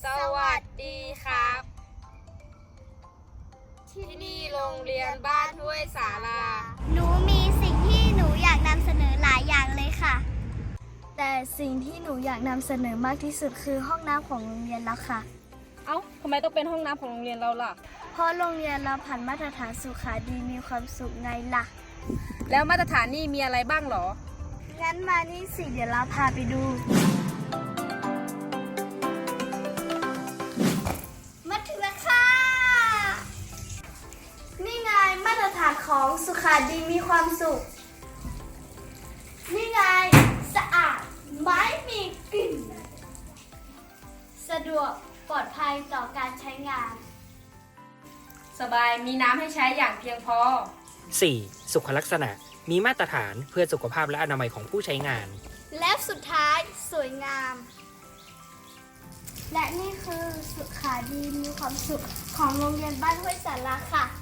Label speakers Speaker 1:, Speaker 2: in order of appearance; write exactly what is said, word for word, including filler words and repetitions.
Speaker 1: สวัสดีครับ ที่นี่โรงเรียนบ้านห้วยสารา
Speaker 2: หนูมีสิ่งที่หนูอยากนำเสนอหลายอย่างเลยค่ะ
Speaker 3: แต่สิ่งที่หนูอยากนำเสนอมากที่สุดคือห้องน้ำของโรงเรียนแล้วค่ะ
Speaker 1: เอ้าทำไมต้องเป็นห้องน้ำของโรงเรียนเราล่ะ
Speaker 3: เพราะโรงเรียนเราผ่านมาตรฐานสุขาดีมีความสุขไงล่ะ
Speaker 1: แล้วมาตรฐานนี่มีอะไรบ้างหรอ
Speaker 3: งั้นมานี่สิเดี๋ยวเราพาไปดู
Speaker 2: มาถึงแล้วค่ะ
Speaker 3: นี่ไงมาตรฐานของสุขาดีมีความสุข นี่ไงสะอาดไม่มีกลิ่น สะดวกปลอดภัยต่อการใช้งาน
Speaker 1: สบายมีน้ำให้ใช้อย่างเพียงพอ
Speaker 4: สี่. สุขลักษณะ มีมาตรฐานเพื่อสุขภาพและอนามัยของผู้ใช้งาน
Speaker 3: และสุดท้ายสวยงาม และนี่คือสุขาดีมีความสุขของโรงเรียนบ้านห้วยสาราค่ะ